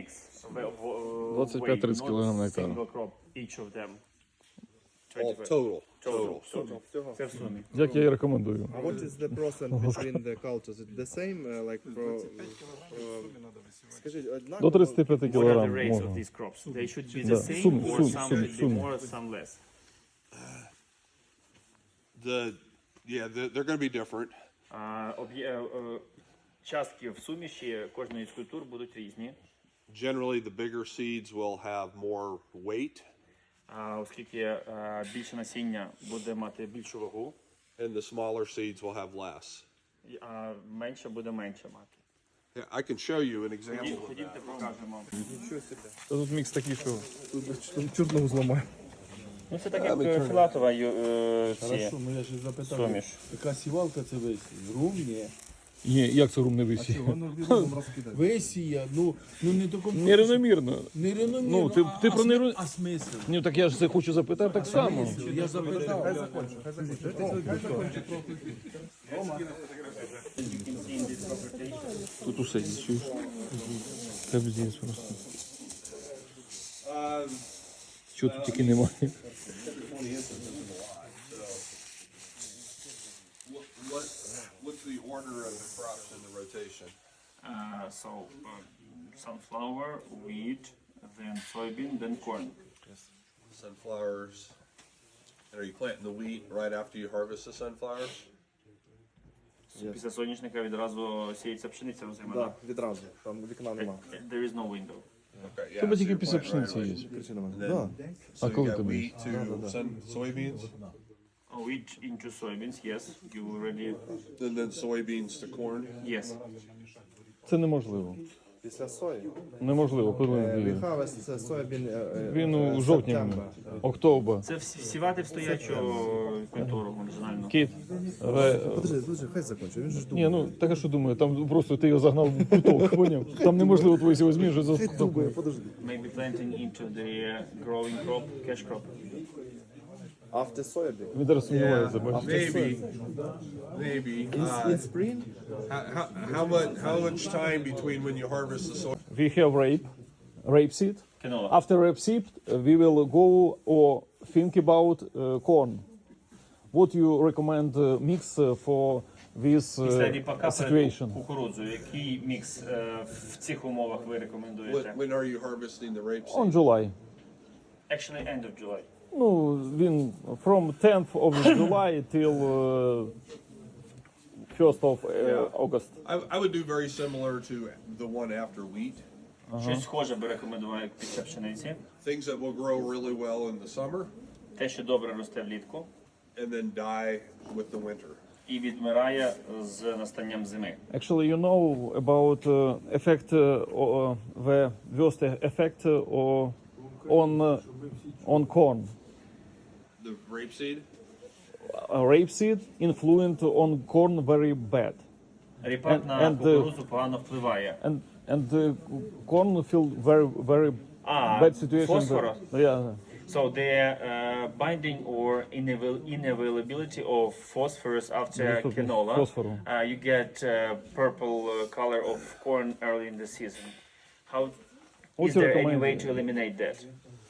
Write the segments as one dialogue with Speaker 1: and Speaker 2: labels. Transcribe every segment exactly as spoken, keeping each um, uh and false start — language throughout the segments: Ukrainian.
Speaker 1: mix of, uh,
Speaker 2: двадцять п'ять тридцять
Speaker 1: weight,
Speaker 2: кілограм
Speaker 1: not
Speaker 2: на гектар.
Speaker 1: single crop each of them.
Speaker 3: All total.
Speaker 1: Total. Total. Це в сумі.
Speaker 2: Як я і рекомендую.
Speaker 4: Uh, what is the percent between the cultures? Is it the same, uh, like for, uh, скажіть, однаково?
Speaker 2: До тридцять п'ять
Speaker 1: What are the
Speaker 2: кілограм
Speaker 1: rates of
Speaker 2: можна.
Speaker 1: these crops? They should be the
Speaker 2: Да,
Speaker 1: same
Speaker 2: сум-
Speaker 1: or
Speaker 2: сум-
Speaker 1: some
Speaker 2: сум-
Speaker 1: should be
Speaker 2: сум.
Speaker 1: more, some less?
Speaker 3: The yeah, they're, they're going to be different.
Speaker 1: А, об'є- е, частки в суміші кожної з культур будуть різні,
Speaker 3: Generally, the bigger seeds will have more weight,
Speaker 1: а, оскільки е, більше насіння буде мати більшу вагу,
Speaker 3: and the smaller seeds will have less.
Speaker 1: і- а менше буде менше мати.
Speaker 3: Yeah, I can show you an example
Speaker 1: Ходім-
Speaker 3: of
Speaker 1: Ходімте,
Speaker 3: that.
Speaker 1: покажемо.
Speaker 2: Та тут мікс такий, що
Speaker 4: Тут чорного зламає.
Speaker 1: Ну це так як е, філатова ю- е, ці
Speaker 5: Хорошо, ну я ж запитав,
Speaker 1: суміш.
Speaker 5: яка сівалка це весь? Рум? Ні.
Speaker 2: Ні, як це рум не висіє?
Speaker 4: Воно відомо розкидає.
Speaker 5: Весія, ну, ну не до конкурсу.
Speaker 2: Нерівномірно.
Speaker 5: Нерівномірно.
Speaker 2: Ну, ти-
Speaker 5: а-
Speaker 2: ти
Speaker 5: а
Speaker 2: про
Speaker 5: сми-
Speaker 2: неру-
Speaker 5: А смисл?
Speaker 2: Ні, так я ж це хочу запитати так само.
Speaker 5: Я запитав.
Speaker 2: Тут усе є, чуєш? Капздець просто. Чого тут тільки немає?
Speaker 3: What, what's the order of the crops in the rotation?
Speaker 1: Uh, so uh, sunflower, wheat, then soybean, then corn.
Speaker 3: Sunflowers. And are you planting the wheat right after you harvest the sunflowers?
Speaker 1: Після соняшника відразу сіється пшениця озима.
Speaker 4: Так, відразу. Там вікна нема.
Speaker 1: There is no window.
Speaker 3: Okay, yeah.
Speaker 2: Тебе
Speaker 3: so
Speaker 2: тільки
Speaker 3: you're
Speaker 2: після
Speaker 3: planting right
Speaker 2: пшениці
Speaker 3: away.
Speaker 2: є.
Speaker 4: Причина мене.
Speaker 3: Then-
Speaker 4: Да.
Speaker 3: So
Speaker 2: А
Speaker 3: you
Speaker 2: коли
Speaker 3: got
Speaker 2: ти
Speaker 3: wheat to sun, soybeans,
Speaker 1: Oh, wheat into soybeans, yes. You already,
Speaker 3: and then soybeans to corn.
Speaker 1: yes.
Speaker 2: Це неможливо.
Speaker 4: Після сої.
Speaker 2: Неможливо, коли
Speaker 4: Е,
Speaker 2: він-
Speaker 4: We harvest це соябін.
Speaker 2: він у жовтні, октобер.
Speaker 1: Це всі- сівати в стоячу культуру маржинальну.
Speaker 2: Кіт. Ре-
Speaker 4: Подожди, подожди, хай закінчу. Він же ж
Speaker 2: Ні,
Speaker 4: думає.
Speaker 2: ну так а що думаю, там просто ти його загнав в куток, поняв? Там неможливо твої сього зміни, що за
Speaker 4: Хай думає, подожди.
Speaker 1: Maybe planting into the growing crop, cash crop.
Speaker 4: After soybean.
Speaker 2: Він зараз сумнівається, бачиш?
Speaker 3: Maybe, maybe.
Speaker 4: In,
Speaker 3: Uh,
Speaker 4: in spring?
Speaker 3: how, how, how much how much time between when you harvest the soy?
Speaker 2: We have rape, rapeseed.
Speaker 1: Canola.
Speaker 2: After rapeseed, uh, we will go or think about uh, corn. What you recommend uh, mix uh, for this
Speaker 1: Після
Speaker 2: uh,
Speaker 1: ріпака перед
Speaker 2: situation?
Speaker 1: кукурудзу, який мікс е, в цих умовах ви
Speaker 3: When,
Speaker 1: рекомендуєте?
Speaker 3: when are you harvesting the rapeseed?
Speaker 2: On July.
Speaker 1: Actually, end of July.
Speaker 2: Ну, він from tenth of July till uh, first of uh, August.
Speaker 3: I, I would do very similar to the one after wheat.
Speaker 1: Щось схоже би рекомендував як після пшениці.
Speaker 3: Things that will grow really well in the summer
Speaker 1: Те, що добре росте влітку
Speaker 3: and then die with the winter.
Speaker 1: і відмирає з настанням зими.
Speaker 2: Actually, you know about uh, effect uh, uh, the worst effect uh, on uh, on corn.
Speaker 3: The rapeseed?
Speaker 2: Uh, rapeseed influence on corn very bad,
Speaker 1: Ріпак
Speaker 2: And-
Speaker 1: на
Speaker 2: and the-
Speaker 1: кукурудзу погано впливає.
Speaker 2: and and the corn feel very very
Speaker 1: А,
Speaker 2: bad situation.
Speaker 1: фосфора?
Speaker 2: Yeah.
Speaker 1: So the uh, binding or inaval- inavailability of phosphorus after
Speaker 2: Доступность
Speaker 1: canola,
Speaker 2: фосфору.
Speaker 1: uh, you get uh, purple uh, color of corn early in the season. How
Speaker 2: What's
Speaker 1: is
Speaker 2: your
Speaker 1: there any
Speaker 2: recommend-
Speaker 1: way to eliminate that?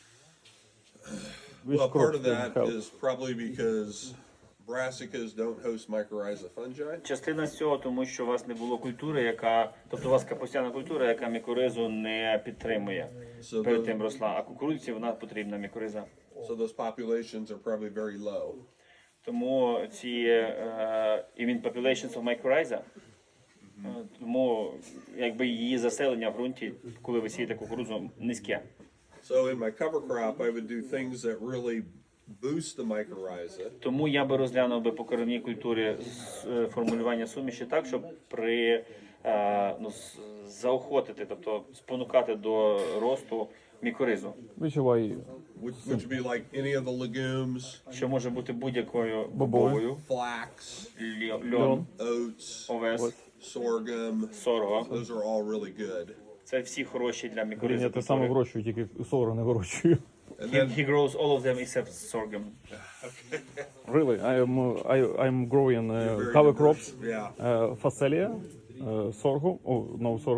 Speaker 2: Which
Speaker 3: Well, part
Speaker 2: crops
Speaker 3: of
Speaker 2: will
Speaker 3: that
Speaker 2: help?
Speaker 3: is probably because brassicas don't host mycorrhiza fungi.
Speaker 1: Частина з цього, тому що у вас не було культури, яка, тобто у вас капустяна культура, яка мікоризу не підтримує.
Speaker 3: So
Speaker 1: Перед
Speaker 3: those,
Speaker 1: тим росла, а кукурудзі вона потрібна мікориза.
Speaker 3: so those populations are probably very low.
Speaker 1: Тому ці е, even populations of mycorrhiza, е, тому якби її заселення в ґрунті, коли ви сієте кукурудзу, низьке.
Speaker 3: So in my cover crop, I would do things that really boost the mycorrhiza.
Speaker 1: Тому я би розглянув би по кормовій культурі з- е, формулювання суміші так, щоб при е, ну, з- заохотити, тобто спонукати до росту мікоризу,
Speaker 2: Which why
Speaker 3: Which, which would be like any of the legumes,
Speaker 1: що може бути будь-якою
Speaker 2: Бобовою.
Speaker 1: бобовою,
Speaker 3: flax,
Speaker 1: льо- льон,
Speaker 3: oats,
Speaker 1: овес,
Speaker 3: sorghum.
Speaker 1: сорго.
Speaker 3: Those are all really good.
Speaker 1: Це всі хороші для
Speaker 2: Блін,
Speaker 1: мікоризи
Speaker 2: я те саме
Speaker 1: культури.
Speaker 2: вирощую, тільки сорго не вирощую.
Speaker 3: And
Speaker 1: He,
Speaker 3: then
Speaker 1: he grows all of them except sorghum.
Speaker 2: Really, I am uh, I I'm growing uh,
Speaker 3: very
Speaker 2: cover
Speaker 3: diverse.
Speaker 2: crops,
Speaker 3: Yeah.
Speaker 2: uh, Phacelia, uh, sorghum, oh no sorghum,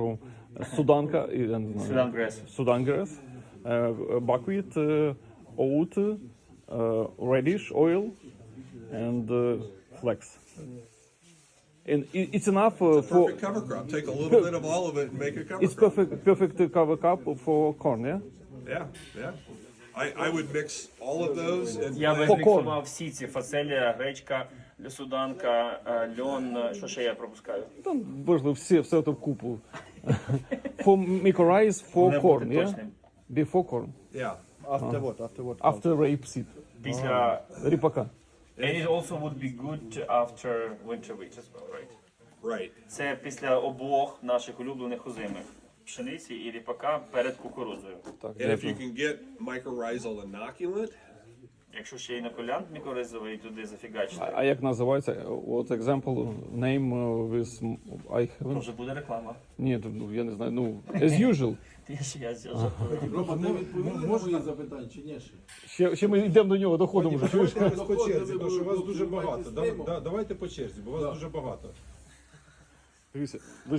Speaker 2: суданка, і, я не знаю,
Speaker 1: Sudan grass.
Speaker 2: Sudan grass, uh, buckwheat, uh, oat, uh, radish oil, and uh, flax. And i- it's enough uh, for.
Speaker 3: Perfect cover crop. Take a little bit of all of it and make a cover
Speaker 2: It's
Speaker 3: crop.
Speaker 2: perfect, perfect cover crop for corn, yeah.
Speaker 3: Yeah, yeah. I, I would mix all of those and
Speaker 1: Я би
Speaker 3: plant-
Speaker 1: зміксував всі ці фаселія, гречка, суданка, е, льон, е, що ще я пропускаю?
Speaker 2: Там можливо все, все це в купу. For mycorrhiza for
Speaker 1: Не
Speaker 2: corn,
Speaker 1: бути
Speaker 2: yeah.
Speaker 1: точним.
Speaker 2: Before corn,
Speaker 3: Yeah.
Speaker 4: After what? After what?
Speaker 2: after rapeseed,
Speaker 1: Після...
Speaker 2: ріпака.
Speaker 1: And it also would be good after winter wheat as well, right?
Speaker 3: Right.
Speaker 1: Це після обох наших улюблених озимих. Пшениці і ріпака перед кукурудзою.
Speaker 2: Так,
Speaker 3: And if you
Speaker 2: дякую.
Speaker 3: can get mycorrhizal inoculant,
Speaker 1: Якщо ще й інокулянт мікоризовий туди зафігачити,
Speaker 2: А, а як називається? What example name uh, with m- I
Speaker 1: то
Speaker 2: haven't?
Speaker 1: вже буде реклама.
Speaker 2: Ні, ну я не знаю. Ну as usual.
Speaker 1: Я ж я жартую.
Speaker 5: Рома, ти відповів на мої запитання чи ні ще?
Speaker 2: Ще, ще ми йдемо до нього, доходимо вже. Чуєш?
Speaker 6: Давайте по черзі, тому що вас
Speaker 5: ви
Speaker 6: дуже
Speaker 5: будете
Speaker 6: багато.
Speaker 5: з
Speaker 6: Да-
Speaker 5: ними.
Speaker 6: да- Давайте по черзі, бо вас дуже багато.
Speaker 2: Дивіться,